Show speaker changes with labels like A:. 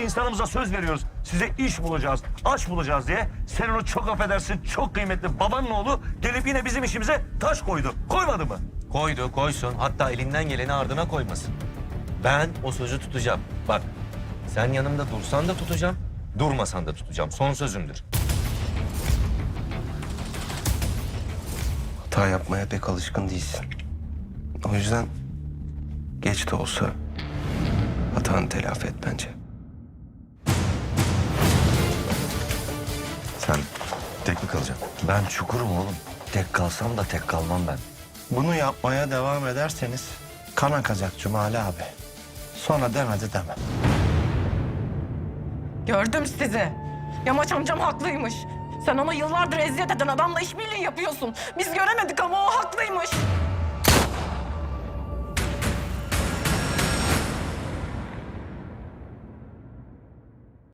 A: insanımıza söz veriyoruz. Size iş bulacağız, aş bulacağız diye. Sen onu çok affedersin, çok kıymetli babanın oğlu gelip yine bizim işimize taş koydu. Koymadı mı?
B: Koydu, koysun. Hatta elinden geleni ardına koymasın. Ben o sözü tutacağım. Bak, sen yanımda dursan da tutacağım, durmasan da tutacağım. Son sözümdür.
C: Hata yapmaya pek alışkın değilsin. O yüzden geç de olsa hatanı telafi et bence.
B: Sen tek mi kalacaksın? Ben çukurum oğlum. Tek kalsam da tek kalmam ben.
C: Bunu yapmaya devam ederseniz kan akacak Cumali abi. Sonra demedi deme.
D: Gördüm sizi. Yamaç amcam haklıymış. Sen ona yıllardır eziyet eden adamla işbirliği yapıyorsun. Biz göremedik ama o haklıymış.